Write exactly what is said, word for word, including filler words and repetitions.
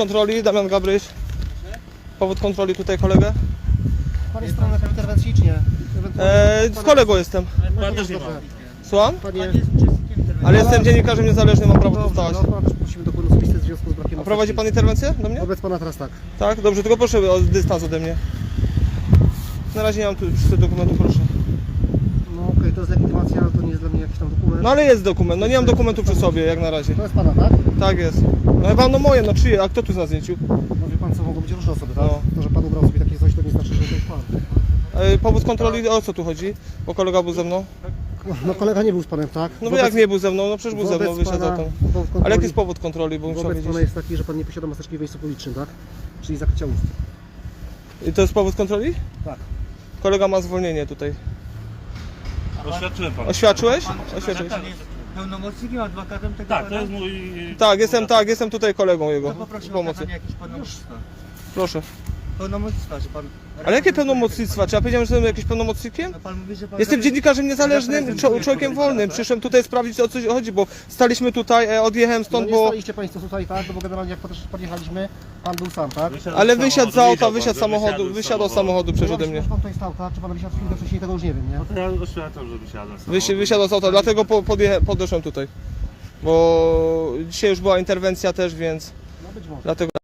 kontroli, Damian Gabryś. Powód kontroli tutaj kolegę. Pan jest stronę interwencji, czy nie? Eee, z kolegą jestem. Pan też nie ma. Słucham? Panie, Ale jestem dziennikarzem niezależnym, mam prawo tu dobrze, stać. no pana też prosimy dokument osobisty w związku z brakiem A prowadzi pan interwencję do mnie? Wobec pana teraz tak. Tak? Dobrze, tylko proszę o dystans ode mnie. Na razie nie mam tu przy tym dokumentu, proszę. No okej, okay, to jest legitymacja, ale to nie jest dla mnie jakiś tam dokument. No ale jest dokument, no nie mam dokumentu przy sobie, jak na razie. To jest pana, tak? Tak jest. No chyba no moje, no czyje, a kto tu na zdjęciu? No wie pan co, mogą być różne osoby, tak? No. To, że pan ubrał sobie takie coś, to nie znaczy, że to jest pan. E, powód kontroli, o co tu chodzi? Bo kolega był ze mną. No kolega nie był z panem, tak? No bo jak nie był ze mną, no przecież był ze mną, wobec wyszedł za pana- tą. powód kontroli- Ale jaki jest powód kontroli, bo bym chciał Wobec wiedzieć. pana jest taki, że pan nie posiada maseczki w miejscu publicznym, tak? Czyli zakrycia ust. I to jest powód kontroli? Tak. Kolega ma zwolnienie tutaj. Oświadczyłem pana. Oświadczyłeś? Oświadczyłeś. Pan jest pełnomocnikiem, adwokatem tego Tak, to pana? jest mój... Tak, jestem, tak, jestem tutaj kolegą jego. To poproszę o Pomocy. okazanie jakieś pełnomocnictwa. Proszę. Pełnomocnictwa, że pan... Ale jakie pełnomocnictwa? Czy ja powiedziałem, że jestem jakimś pełnomocnikiem? No pan mówi, że pan... Jestem dziennikarzem niezależnym, czo- człowiekiem wolnym. Przyszedłem tutaj sprawdzić, o co chodzi, bo staliśmy tutaj, e, odjechałem No stąd, nie bo... staliście państwo tutaj, tak? No bo generalnie jak też podjechaliśmy, pan był sam, tak? Ale wysiadł z auta, wysiadł z pan, że samochodu, wysiadłem z wysiadł z samochodu. samochodu przecież Ja ode myślę, mnie. że pan tutaj stał, tak? Czy pan wysiadł chwilę wcześniej, tego już nie wiem, nie? No to ja oświadczam, że wysiadłem z Wysi- samochodu. Wysiadł z auta, dlatego po, podjecha- podeszłem tutaj. Bo dzisiaj już była interwencja też, więc No być może. dlatego...